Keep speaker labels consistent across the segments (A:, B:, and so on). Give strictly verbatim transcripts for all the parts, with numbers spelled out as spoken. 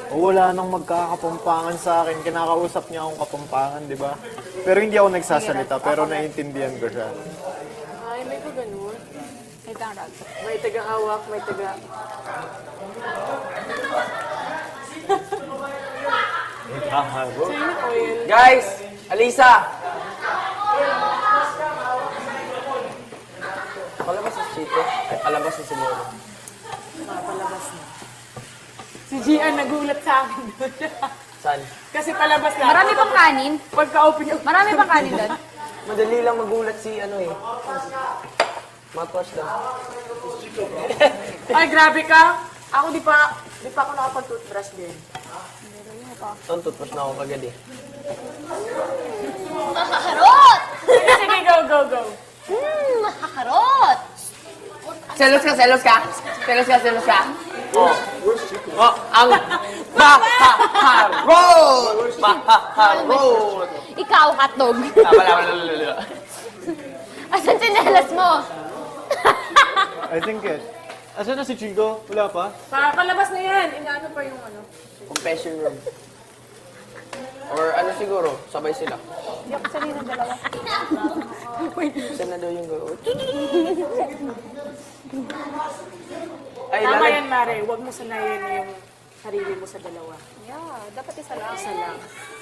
A: O wala nang magkakapampangan sa akin. Kinakausap niya akong kapampangan, di ba? Pero hindi ako nagsasalita, pero naiintindihan ko siya.
B: Ay, may pa ganun.
C: May tarag.
B: May taga-hawak, may taga...
A: Nagkaharo.
B: Sino oil?
D: Guys! Alisa! Palabas si Chito. Ay, palabas si Simoro.
B: Palabas na. Si Gian nagulat sa akin doon.
D: Saan?
B: Kasi palabas na.
C: Marami pang kanin.
B: Pagka-open yung...
C: Marami pang kanin doon.
D: Madali lang magulat si ano eh. Mouthwash lang.
B: Ay, grabe ka. Ako di pa, di pa ako nakapag-toothbrush din.
D: Ito, toothwash na ako kagad eh.
E: Makakarot!
B: Sige, sige, go, go, go.
E: Hmm, makakarot!
D: Selos ka, selos ka? Selos ka, selos ka? Oh. Oh, ang mahaharot! Mahaharot!
E: Ikaw, hotdog.
D: Ah, wala, wala, wala, wala.
E: Asan sinelas mo?
A: I think it. Asan na si Chico? Wala pa?
B: Pa, palabas na yan. Inaano pa yung ano.
D: Confession room. Or ano siguro, sabay sila.
B: Hindi ako sanay ng dalawa.
D: Isa na daw yung go. Ay,
B: Tama
D: lalag.
B: yan, Mare. Huwag mo sanayin yung sarili mo sa dalawa.
C: Yeah, dapat isa lang.
B: Isa lang.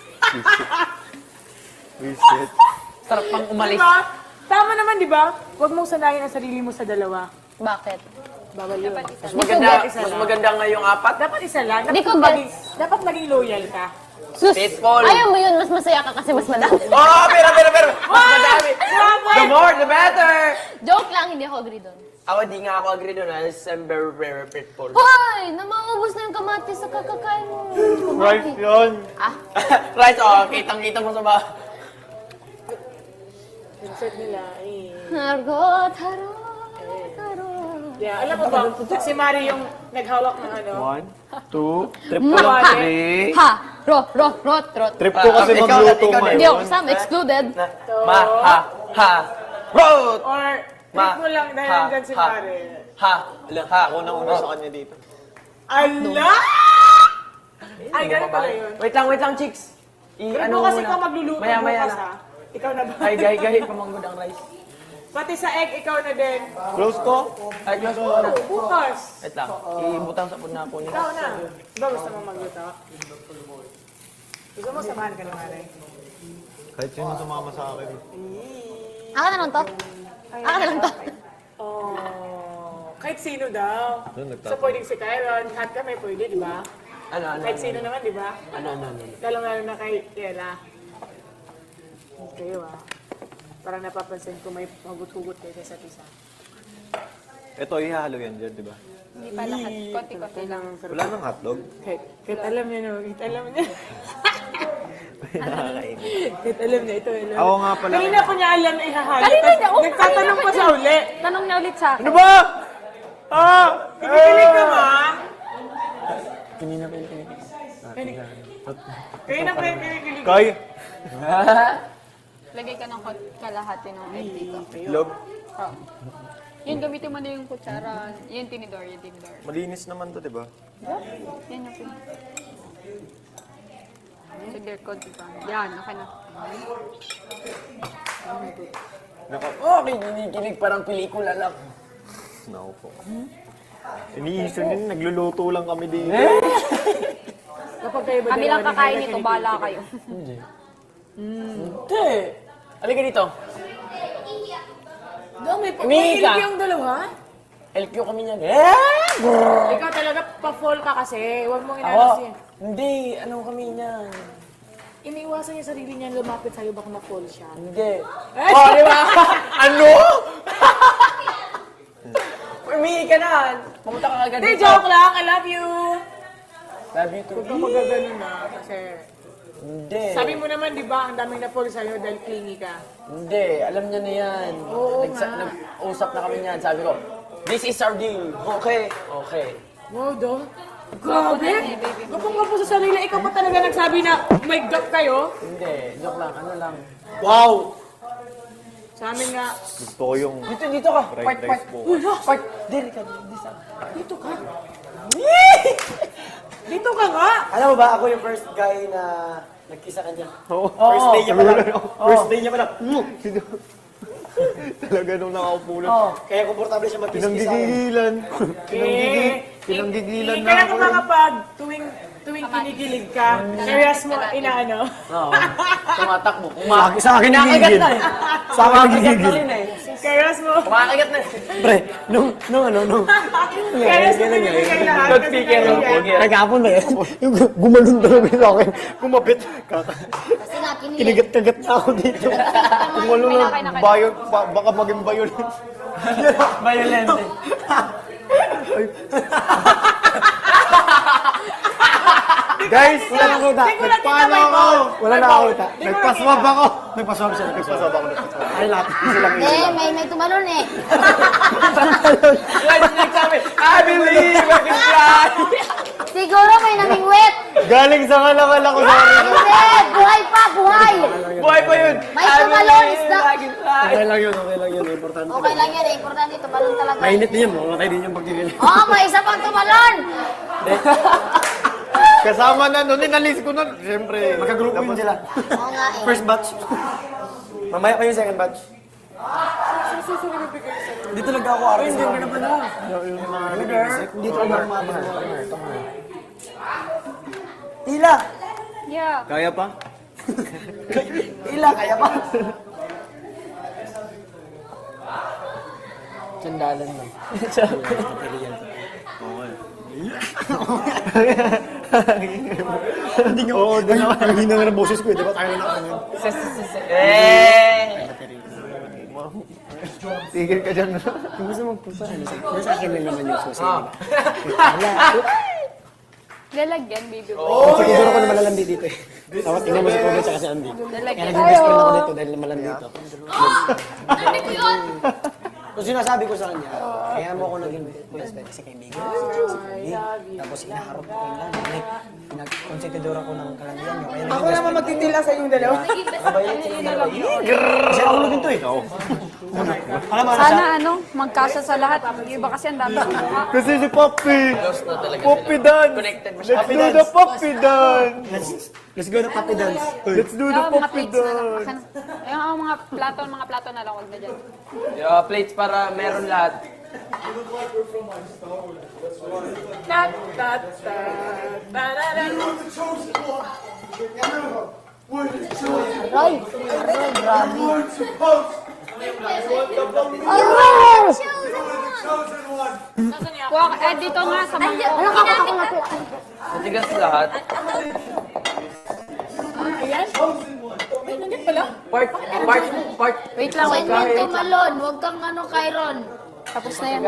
A: Reset.
D: Sarap pang umalis.
B: Diba? Tama naman, di ba? Huwag mong sanayin ang sarili mo sa dalawa.
E: Bakit?
B: Bawal yun.
D: Mas maganda, mas maganda nga yung apat.
B: Dapat isa lang.
E: Di
B: Dapat,
E: ko
B: maging,
E: gets.
B: dapat maging loyal ka.
E: Sus!
D: Faithful.
E: Ayaw mo yun, mas masaya ka kasi mas madami.
D: Oh, pero, pero, pero! Mas madami! The more, the better!
E: Joke lang, hindi ako agree doon.
D: Ako, di nga ako agree doon. I'm very, very faithful.
E: Hoy! Namaubos na yung kamatis sa kakakain mo.
A: Right yun.
E: Ah,
D: Right, oh, kitang-kita mo sa ba?
B: Mindset nila, eh.
E: harot, harot, harot.
B: Yeah, alam mo ba, si Mari yung naghawak ng ano.
A: One, two, trip
E: Ma,
A: ko lang.
E: ha,
D: Three.
E: ha, ro, ro, rot, rot.
A: Trip ko kasi
D: Ah, ikaw,
A: magluto
D: ikaw,
A: ngayon.
E: Hindi ako kasama, excluded.
D: Na, ma, ha, ha, road!
B: Or,
D: Ma,
B: trip mo lang dahil
D: ha,
B: nandyan si
D: ha.
B: Mari.
D: Ha,
A: Alam, ha, ako na una sa kanya dito.
B: Ala! Ay, ganun pala yun.
D: Wait lang, wait lang, chicks. I,
B: Trip
D: ano
B: mo kasi
D: muna?
B: ikaw magluluto
D: Maya, maya
B: bukas,
D: na.
B: ha? Ikaw na ba?
D: Ay, gahi, gahi, pamanggod ang rice.
B: Pati sa egg, ikaw na din.
A: Close ko?
D: Ay, close mo na.
B: Bukas.
D: Wait lang, ibutang sa po na po niya.
B: Ikaw na. Ba, gusto mo magluto? Gusto mo samahan ka ng Mari?
A: Kahit sino sumama sa akin.
E: Aka na lang to. Aka na lang to.
B: Oh, kahit sino daw.
A: Doon,
B: So,
A: nagtatapos.
B: pwedeng si Kyron, lahat kami pwede, di ba?
D: Ano, ano,
B: Kahit
D: ano,
B: sino naman, di ba?
D: ano, ano, ano.
B: Lalong-lalo na kay Yela. Kayo ah. Parang napapansin ko may hugot-hugot kayo sa isa't isa.
A: Ito, ihahalo yan dyan, di ba?
C: Hindi pa lahat. Konti-konti lang.
A: Wala nang hotdog.
B: Kahit, kahit alam niya, no? Kahit alam niya.
A: Nakakainit.
B: kahit alam niya, ito alam.
A: Ako nga pala.
B: Kanina ko niya alam na ihahalo.
C: Kanina
B: Tapos
C: niya, oh,
B: nagtatanong pa sa uli.
C: Tanong niya ulit sa akin.
A: Ano ba? Ah!
B: Kikilig ka ba?
D: Kanina pa yun.
B: Kanina pa yung kinikilig.
A: Kay,
C: Lagay ka ng kot- kalahati ng egg dito.
A: log.
C: Oh. Yun, gamitin mo na yung kutsara. Yung tinidor, yung tinidor.
A: Malinis naman to, di ba?
C: Yan yung pin. Sige, konti pa. Yan, okay na.
A: Naka...
D: Oh, kinikilig parang pelikula lang.
A: Naku po. Iniisip din, nagluluto lang kami dito.
B: Kapag kayo ba
C: Kami
B: dalawa
C: lang
B: ni
C: kakain
B: Hela,
C: nito,
B: kinikilig
C: bala
B: ka?
C: kayo.
D: Hindi. Halika dito.
B: Dami pa.
D: Umihi ka.
B: Kinikilig yung dalawa?
D: L Q kami niyan. Eh!
B: Ikaw talaga pa-fall ka kasi. Huwag mong
D: Ako,
B: inalas yan.
D: hindi. Ano kami niyan?
B: Iniiwasan niya sarili niya lumapit sa'yo baka ma-fall siya.
D: Hindi. Oh, di ba? Ano? Umihi ka na. Pumunta ka agad
B: Hindi,
D: dito.
B: joke lang. I love you.
D: Love you too.
B: Huwag ka magagano na kasi
D: Hindi.
B: sabi mo naman, di ba, ang daming na-fall sa'yo dahil clingy ka.
D: Hindi. Alam niya na yan.
B: Oo
D: Nagsa-
B: nga.
D: Nag-usap na kami niyan. Sabi ko, this is our deal. Okay. Okay.
B: Wow, do. Grabe. Gapong-gapo sa sarili. Ikaw pa talaga nagsabi na may gap kayo.
D: Hindi. Joke lang. Ano lang.
A: Wow!
B: Sa amin nga,
A: Gusto ko yung
D: Dito, dito ka.
A: fried
D: Part, part.
A: rice po.
D: Part. Dili ka. Dito sa.
B: dito ka. Dito ka nga.
F: Alam mo ba, ako yung first guy na nagkisa kanya.
A: Oo.
F: First day niya pa lang. First day niya pa lang.
A: Talaga nung nakaupo lang.
F: Oo. Kaya komportable siya magkiss sa akin.
A: Pinanggigilan. Pinanggigi,
B: Eh,
A: pinanggigilan
B: eh,
A: na
B: Kaya
A: ako.
B: kung mga pag tuwing tuwing kinikilig ka, serious mo, inaano.
D: Oo. Tumatakbo.
A: Sa
D: Kuma-
A: akin- Sa akin
F: Kinakagat
A: nagigigil.
F: na eh.
A: Sa akin nagigigil.
B: Serious mo.
D: Kumakagat na.
F: Pre, nung, nung ano, nung...
B: Serious mo kinikilig lahat.
D: Good speaker.
F: Ay, kahapon ba yun?
A: Yung gumalun talaga sa akin. Kumapit. Kaka.
E: Kasi nga, kinilig.
A: Kinigat-kagat na ako dito. Kumalo na. Bayo, ba- baka maging bayon.
F: Violente.
A: Guys,
F: Wala na kita.
B: Hindi ko nakita
A: paano
B: may
A: ako?
B: ball.
F: Wala na ako kita.
A: Nagpaswab ako.
F: Nagpaswab siya. Nagpaswab.
A: Nagpaswab ako. Nagpaswab.
F: Ay, lahat. Isa lang
E: Eh, may, may tumalon eh.
D: Guys, nagsabi, I believe I can fly.
E: Siguro may namingwit.
A: Galing sa kalakal ako sa akin.
E: Hindi, buhay pa, buhay.
D: Buhay pa yun.
E: May
D: I
E: tumalon,
D: believe
E: isda.
D: I can fly.
F: Okay lang yun, okay lang yun. Importante.
E: Okay lang yan eh, importante tumalon talaga.
F: Mainit din yun, mamatay din yung pagkikil.
E: Oo, may isa pang tumalon.
A: Kasama na nun. Inalis ko na. Siyempre.
F: Magkagrupo yun sila.
E: Oo nga eh.
F: First batch. Mamaya pa yung second batch. Hindi talaga ako artist. Hindi ka na pala. Hindi talaga ako mabasa. Tila!
C: Yeah.
A: Kaya pa?
F: Tila, kaya pa. Sandalan lang. Hindi nga. Oo, din ako. Ang hina nga ng boses ko eh. Diba tayo na ako yun?
D: Eh.
A: Tigil ka dyan.
F: Kung gusto magpunta, ano sa nasa akin lang naman yung susi.
D: Ah.
F: Wala.
C: Lalagyan, baby boy.
F: Oh, siguro ko na malalandi dito eh. Tapos tingnan mo si Kobe tsaka si Andy. Kaya
C: Lalagyan.
F: naging best friend ako dito dahil malandi dito.
E: Ano ko yun?
F: Kung sinasabi ko sa kanya, kaya mo ako naging best friend kasi kaibigan. Tapos inaharap ko yung lang. Like, pinag-consentidor ako ng kalandian niyo. Kaya
B: Ako naman magtitila sa inyong dalawa.
F: kasi ako lang dito eh. Alam mo,
C: Sana ano, magkasa sa lahat. Yung iba kasi ang dami ng mukha.
A: Kasi si Poppy.
D: Close na talaga
A: Poppy
D: sila.
A: dance.
D: Connected
A: Let's
D: masyado.
A: do the Poppy dance.
F: let's, let's go na puppy dance.
A: Let's do the
C: Yung mga
A: Poppy
C: plates na lang.
A: dance.
C: Akan- Yung mga mga plato, mga plato na lang, huwag na dyan.
D: Yeah, plates para meron lahat.
B: Tat, tat, tat, tararan.
E: Aray, aray, grabe. Aray!
C: Kuha, eh, dito nga sa mga...
E: Ano ka kapakapit?
D: Matigas lahat. Part, part, part.
C: Wait lang, wait
E: Huwag
C: lang.
E: kang tumalon, huwag kang ano, Kyron.
C: Tapos na yan.